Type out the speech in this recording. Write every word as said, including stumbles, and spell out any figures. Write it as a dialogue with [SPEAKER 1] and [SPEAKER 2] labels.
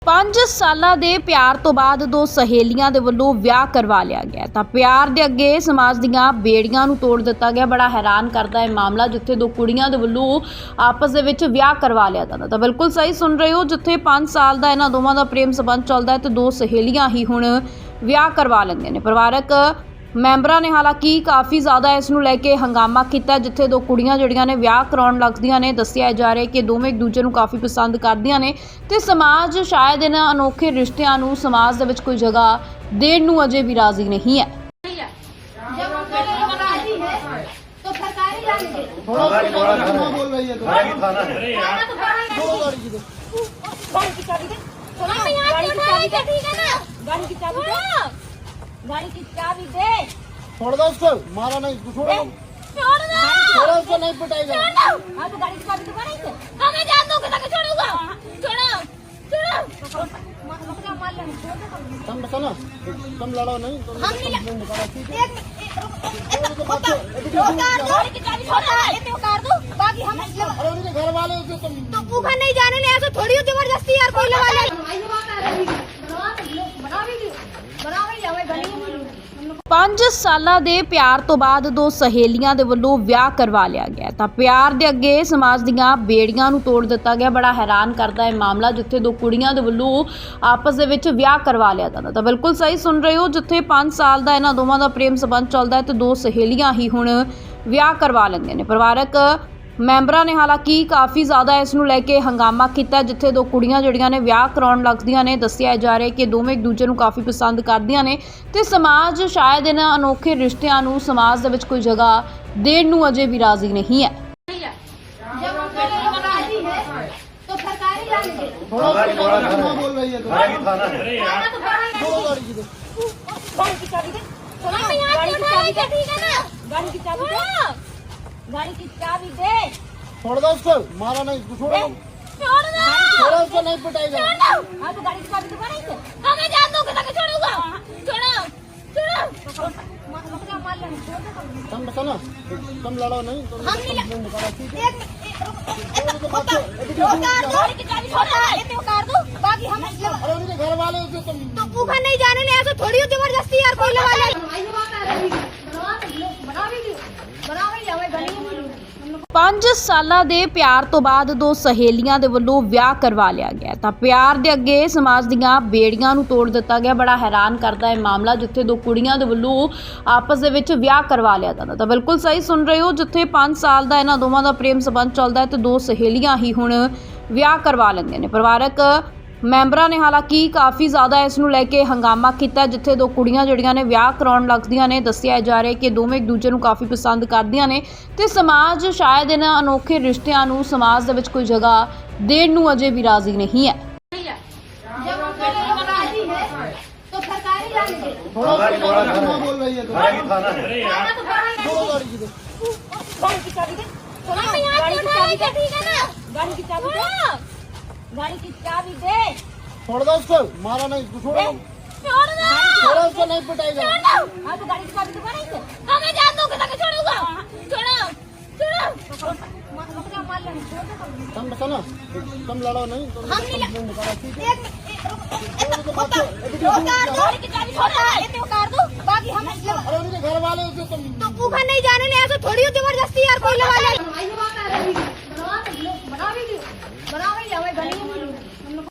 [SPEAKER 1] ਪੰਜ ਸਾਲਾਂ ਦੇ ਪਿਆਰ ਤੋਂ ਬਾਅਦ ਦੋ ਸਹੇਲੀਆਂ ਦੇ ਵੱਲੋਂ ਵਿਆਹ ਕਰਵਾ ਲਿਆ ਗਿਆ ਤਾਂ ਪਿਆਰ ਦੇ ਅੱਗੇ ਸਮਾਜ ਦੀਆਂ ਬੇੜੀਆਂ ਨੂੰ ਤੋੜ ਦਿੱਤਾ ਗਿਆ। ਬੜਾ ਹੈਰਾਨ ਕਰਦਾ ਹੈ ਮਾਮਲਾ, ਜਿੱਥੇ ਦੋ ਕੁੜੀਆਂ ਦੇ ਵੱਲੋਂ ਆਪਸ ਦੇ ਵਿੱਚ ਵਿਆਹ ਕਰਵਾ ਲਿਆ ਜਾਂਦਾ। ਤਾਂ ਬਿਲਕੁਲ ਸਹੀ ਸੁਣ ਰਹੇ ਹੋ, ਜਿੱਥੇ ਪੰਜ ਸਾਲ ਦਾ ਇਹਨਾਂ ਦੋਵਾਂ ਦਾ ਪ੍ਰੇਮ ਸੰਬੰਧ ਚੱਲਦਾ ਹੈ ਤੇ ਦੋ ਸਹੇਲੀਆਂ ਹੀ ਹੁਣ ਵਿਆਹ ਕਰਵਾ ਲੈਂਦੀਆਂ ਨੇ। ਪਰਿਵਾਰਕ ਮੈਂਬਰਾਂ ਨੇ ਹਾਲਾਂਕਿ ਕਾਫੀ ਜ਼ਿਆਦਾ ਇਸ ਨੂੰ ਲੈ ਕੇ ਹੰਗਾਮਾ ਕੀਤਾ, ਜਿੱਥੇ ਦੋ ਕੁੜੀਆਂ ਜਿਹੜੀਆਂ ਨੇ ਵਿਆਹ ਕਰਾਉਣ ਲੱਗਦੀਆਂ ਨੇ। ਦੱਸਿਆ ਜਾ ਰਿਹਾ ਕਿ ਦੋਵੇਂ ਇੱਕ ਦੂਜੇ ਨੂੰ ਕਾਫੀ ਪਸੰਦ ਕਰਦੀਆਂ ਨੇ ਤੇ ਸਮਾਜ ਸ਼ਾਇਦ ਇਹਨਾਂ ਅਨੋਖੇ ਰਿਸ਼ਤਿਆਂ ਨੂੰ ਸਮਾਜ ਦੇ ਵਿੱਚ ਕੋਈ ਜਗ੍ਹਾ ਦੇਣ ਨੂੰ ਅਜੇ ਵੀ ਰਾਜ਼ੀ ਨਹੀਂ ਹੈ।
[SPEAKER 2] गाड़ी की चाबी दे।
[SPEAKER 3] छोड़ दो उसको, मारा नहीं, छोड़ दो,
[SPEAKER 2] छोड़ दो,
[SPEAKER 3] छोड़ो उसको, नहीं पिटाएगा।
[SPEAKER 2] छोड़ दो। हाँ तो गाड़ी की चाबी तो नहीं है, हमें जान दो कि ताकि छोड़ूंगा, छोड़ो, छोड़ो। मार लेना,
[SPEAKER 3] तुम बता ना, तुम लड़ो नहीं, तुम
[SPEAKER 2] हम नहीं लड़-
[SPEAKER 3] ठीक है?
[SPEAKER 2] एक उतार दो, गाड़ी की चाबी छोड़ दो, इतने उतार दो, बाकी हम
[SPEAKER 3] अरे उनके घर वाले उसे तुम
[SPEAKER 2] तो ऊपर नहीं जाने ने, ऐसा थोड़ी हो जबरदस्ती यार कोई लगा ले। बना भी जावे गली में।
[SPEAKER 1] ਪੰਜ ਸਾਲਾਂ ਦੇ ਪਿਆਰ ਤੋਂ ਬਾਅਦ ਦੋ ਸਹੇਲੀਆਂ ਦੇ ਵੱਲੋਂ ਵਿਆਹ ਕਰਵਾ ਲਿਆ ਗਿਆ ਤਾਂ ਪਿਆਰ ਦੇ ਅੱਗੇ ਸਮਾਜ ਦੀਆਂ ਬੇੜੀਆਂ ਨੂੰ ਤੋੜ ਦਿੱਤਾ ਗਿਆ। ਬੜਾ ਹੈਰਾਨ ਕਰਦਾ ਹੈ ਮਾਮਲਾ, ਜਿੱਥੇ ਦੋ ਕੁੜੀਆਂ ਦੇ ਵੱਲੋਂ ਆਪਸ ਦੇ ਵਿੱਚ ਵਿਆਹ ਕਰਵਾ ਲਿਆ ਜਾਂਦਾ। ਤਾਂ ਬਿਲਕੁਲ ਸਹੀ ਸੁਣ ਰਹੇ ਹੋ, ਜਿੱਥੇ ਪੰਜ ਸਾਲ ਦਾ ਇਹਨਾਂ ਦੋਵਾਂ ਦਾ ਪ੍ਰੇਮ ਸੰਬੰਧ ਚੱਲਦਾ ਹੈ ਤੇ ਦੋ ਸਹੇਲੀਆਂ ਹੀ ਹੁਣ ਵਿਆਹ ਕਰਵਾ ਲੈਂਦੀਆਂ ਨੇ। ਪਰਿਵਾਰਕ ਮੈਂਬਰਾਂ ਨੇ ਹਾਲਾਂਕਿ ਕਾਫੀ ਜ਼ਿਆਦਾ ਇਸ ਨੂੰ ਲੈ ਕੇ ਹੰਗਾਮਾ ਕੀਤਾ, ਜਿੱਥੇ ਦੋ ਕੁੜੀਆਂ ਜਿਹੜੀਆਂ ਨੇ ਵਿਆਹ ਕਰਾਉਣ ਲੱਗਦੀਆਂ ਨੇ। ਦੱਸਿਆ ਜਾ ਰਿਹਾ ਕਿ ਦੋਵੇਂ ਇੱਕ ਦੂਜੇ ਨੂੰ ਕਾਫੀ ਪਸੰਦ ਕਰਦੀਆਂ ਨੇ ਤੇ ਸਮਾਜ ਸ਼ਾਇਦ ਇਹਨਾਂ ਅਨੋਖੇ ਰਿਸ਼ਤਿਆਂ ਨੂੰ ਸਮਾਜ ਦੇ ਵਿੱਚ ਕੋਈ ਜਗ੍ਹਾ ਦੇਣ ਨੂੰ ਅਜੇ ਵੀ ਰਾਜ਼ੀ ਨਹੀਂ ਹੈ।
[SPEAKER 2] तो सरकारी जाने दे।
[SPEAKER 3] थोड़ा थोड़ा धर्मा बोल रही है तो
[SPEAKER 2] गाड़ी की चाबी दे। गाड़ी की चाबी दे। गाड़ी की चाबी दे, ठीक है ना? गाड़ी की चाबी दे। गाड़ी की चाबी दे।
[SPEAKER 3] छोड़ दो उसको, मारा नहीं, छोड़ दो,
[SPEAKER 2] छोड़ दो।
[SPEAKER 3] छोड़ो उसको, नहीं पिटाएगा।
[SPEAKER 2] छोड़ दो। हाँ तो गाड़ी की चाबी तो नहीं है, हमें जान दो कि ताकि छोड़ूंगा, छोड़ो, छोड़ो। मार लेना,
[SPEAKER 3] तुम बता ना, तुम लड़ो नहीं, तुम
[SPEAKER 2] हम नहीं लड़-
[SPEAKER 3] ठीक है?
[SPEAKER 2] एक उतार दो, गाड़ी की चाबी छोड़ दो, इतने उतार दो, बाकी हम
[SPEAKER 3] अरे उनके घर वाले उसे तुम
[SPEAKER 2] तो ऊपर नहीं जाने ने, ऐसा थोड़ी हो जबरदस्ती यार कोई लगा ले। बना भी जावे गली में।
[SPEAKER 1] ਪੰਜ ਸਾਲਾਂ ਦੇ ਪਿਆਰ ਤੋਂ ਬਾਅਦ ਦੋ ਸਹੇਲੀਆਂ ਦੇ ਵੱਲੋਂ ਵਿਆਹ ਕਰਵਾ ਲਿਆ ਗਿਆ ਤਾਂ ਪਿਆਰ ਦੇ ਅੱਗੇ ਸਮਾਜ ਦੀਆਂ ਬੇੜੀਆਂ ਨੂੰ ਤੋੜ ਦਿੱਤਾ ਗਿਆ। ਬੜਾ ਹੈਰਾਨ ਕਰਦਾ ਹੈ ਮਾਮਲਾ, ਜਿੱਥੇ ਦੋ ਕੁੜੀਆਂ ਦੇ ਵੱਲੋਂ ਆਪਸ ਦੇ ਵਿੱਚ ਵਿਆਹ ਕਰਵਾ ਲਿਆ ਜਾਂਦਾ। ਤਾਂ ਬਿਲਕੁਲ ਸਹੀ ਸੁਣ ਰਹੇ ਹੋ, ਜਿੱਥੇ ਪੰਜ ਸਾਲ ਦਾ ਇਹਨਾਂ ਦੋਵਾਂ ਦਾ ਪ੍ਰੇਮ ਸੰਬੰਧ ਚੱਲਦਾ ਹੈ ਤੇ ਦੋ ਸਹੇਲੀਆਂ ਹੀ ਹੁਣ ਵਿਆਹ ਕਰਵਾ ਲੈਂਦੀਆਂ ਨੇ। ਪਰਿਵਾਰਕ ਮੈਂਬਰਾਂ ਨੇ ਹਾਲਾਂਕਿ ਕਾਫੀ ਜ਼ਿਆਦਾ ਇਸ ਨੂੰ ਲੈ ਕੇ ਹੰਗਾਮਾ ਕੀਤਾ, ਜਿੱਥੇ ਦੋ ਕੁੜੀਆਂ ਜਿਹੜੀਆਂ ਨੇ ਵਿਆਹ ਕਰਾਉਣ ਲੱਗਦੀਆਂ ਨੇ। ਦੱਸਿਆ ਜਾ ਰਿਹਾ ਕਿ ਦੋਵੇਂ ਇੱਕ ਦੂਜੇ ਨੂੰ ਕਾਫੀ ਪਸੰਦ ਕਰਦੀਆਂ ਨੇ ਤੇ ਸਮਾਜ ਸ਼ਾਇਦ ਇਹਨਾਂ ਅਨੋਖੇ ਰਿਸ਼ਤਿਆਂ ਨੂੰ ਸਮਾਜ ਦੇ ਵਿੱਚ ਕੋਈ ਜਗ੍ਹਾ ਦੇਣ ਨੂੰ ਅਜੇ ਵੀ ਰਾਜ਼ੀ ਨਹੀਂ ਹੈ।
[SPEAKER 2] तो सरकारी जाने दे।
[SPEAKER 3] थोड़ा थोड़ा धर्मा बोल रही है तो
[SPEAKER 2] छोड़ो गाड़ी की चाबी दे। गाड़ी की चाबी दे, ठीक है ना? गाड़ी की चाबी दे। गाड़ी की चाबी दे।
[SPEAKER 3] छोड़ दो उसको, मारा नहीं, छोड़ दो,
[SPEAKER 2] छोड़ दो।
[SPEAKER 3] छोड़ो उसको, नहीं पिटाएगा।
[SPEAKER 2] छोड़ दो। हाँ तो गाड़ी की चाबी तो नहीं है, हमें जान दो कि ताकि छोड़ूंगा, छोड़ो, छोड़ो। मार लेना,
[SPEAKER 3] तुम बता ना, तुम लड़ो नहीं, तुम
[SPEAKER 2] हम नहीं लड़-
[SPEAKER 3] ठीक है?
[SPEAKER 2] एक उतार दो, गाड़ी की चाबी छोड़ दो, इतने उतार दो, बाकी हम
[SPEAKER 3] अरे उनके घर वाले उसे तुम
[SPEAKER 2] तो ऊपर नहीं जाने ने, ऐसा थोड़ी हो जबरदस्ती यार कोई लगा ले।